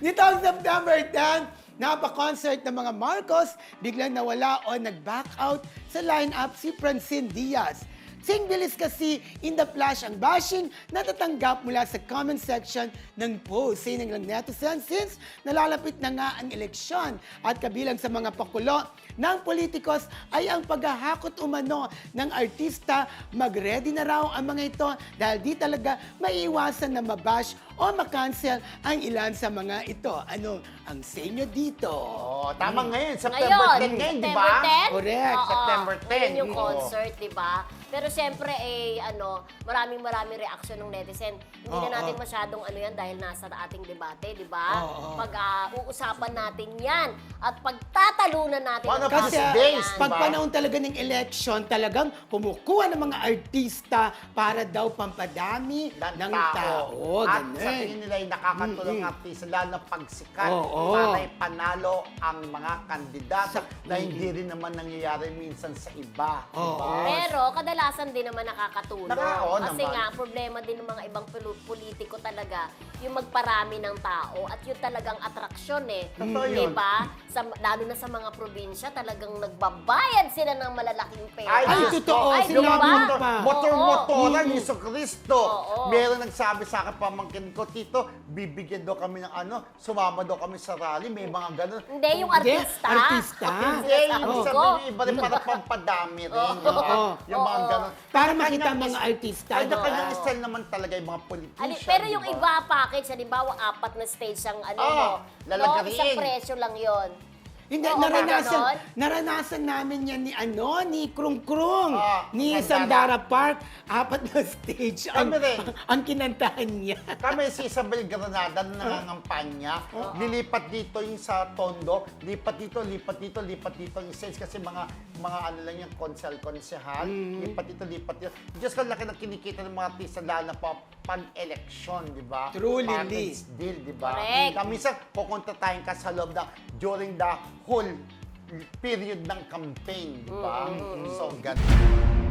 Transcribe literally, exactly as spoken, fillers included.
Nitong September tenth, napa-concert ng mga Marcos, biglang nawala o nag-back out sa lineup si Francine Diaz. Sing bilis kasi in the flash ang bashing natatanggap mula sa comment section ng post. Sining ng netizens since nalalapit na nga ang eleksyon at kabilang sa mga pakulo ng politikos ay ang paghahakot umano ng artista. Mag-ready na raw ang mga ito dahil di talaga maiiwasan na mabash o makancel ang ilan sa mga ito. Ano ang sa inyo dito? Oh, tama ngayon. September Ngayon, tenth ngayon, di September ba? tenth? Correct. Oo, September tenth. Ngayon yung Oo. concert, di ba? Pero siyempre, eh, ano, maraming maraming reaction ng netizen. Hindi Oo. na natin masyadong ano yan dahil nasa ating debate, di ba? Oo. Pag ah, uusapan natin yan at pagtatalunan natin Paano ang Kasi These mga days, yan. pag diba? panahon talaga ng election, talagang kumukuha ng mga artista para daw pampadami ng, ng tao. tao. At Ganun. sa tingin nila ay nakakatulong Mm-mm. artista, lalo na pagsikat Oo. para ipanalo ang mga kandidato Sa- na hindi rin naman nangyayari minsan sa iba. Oo. Diba? Pero kadalasan din naman nakakatulong. Naka- oo Kasi naman. nga, problema din ng mga ibang pulu- politiko talaga, yung magparami ng tao at yung talagang atraksyon eh. Totoo Di yun. ba? Sa, lalo na sa mga probinsya, talagang nagbabayad sila ng malalaking pera. Ay, Ay, Diyos totoo, ko. Ay, sinabi diba? mo motor, pa. motor-motoran Oo. ni Jesu Cristo. Oo. Meron nagsabi sa akin, pamangkin ko, Tito, bibigyan daw kami ng ano, sumama daw kami sa rally, may mga ganun. Hindi, yung Hindi, artista. artista. Hindi, yung Sinasabi sabi ko. niyo, iba rin para pampadami rin. Oo. Yung, mga- yung mga Oo. ganun. Para Kanya-kanyang makita ang mga is- artista, Ay, no? kanyang Oo. style naman talaga yung mga politician. Ali, pero yung diba? iba package, halimbawa apat na stage ang ano Oo, mo. lalagarin. No, isang presyo lang yon. Hindi, Oo, naranasan, ganon. naranasan namin yan ni ano, ni Krung Krung, Ah, ni Sandara. Sandara Park, apat na stage ang, Kami rin. ang kinantahan niya. Kami si Isabel Granada na nangangampanya, lilipat dito yung sa Tondo, lipat dito, lipat dito, lipat dito yung sales kasi mga mga ano lang yung konsel, konsehal, lipat dito, lipat dito. Diyos ko, laki ng kinikita ng mga artista lalo na pa pag-eleksyon, di ba? True, Lily. Package deal, di ba? Correct. Kami sa pupunta tayong ka sa loob na during the whole period ng campaign, di ba? So, ganun.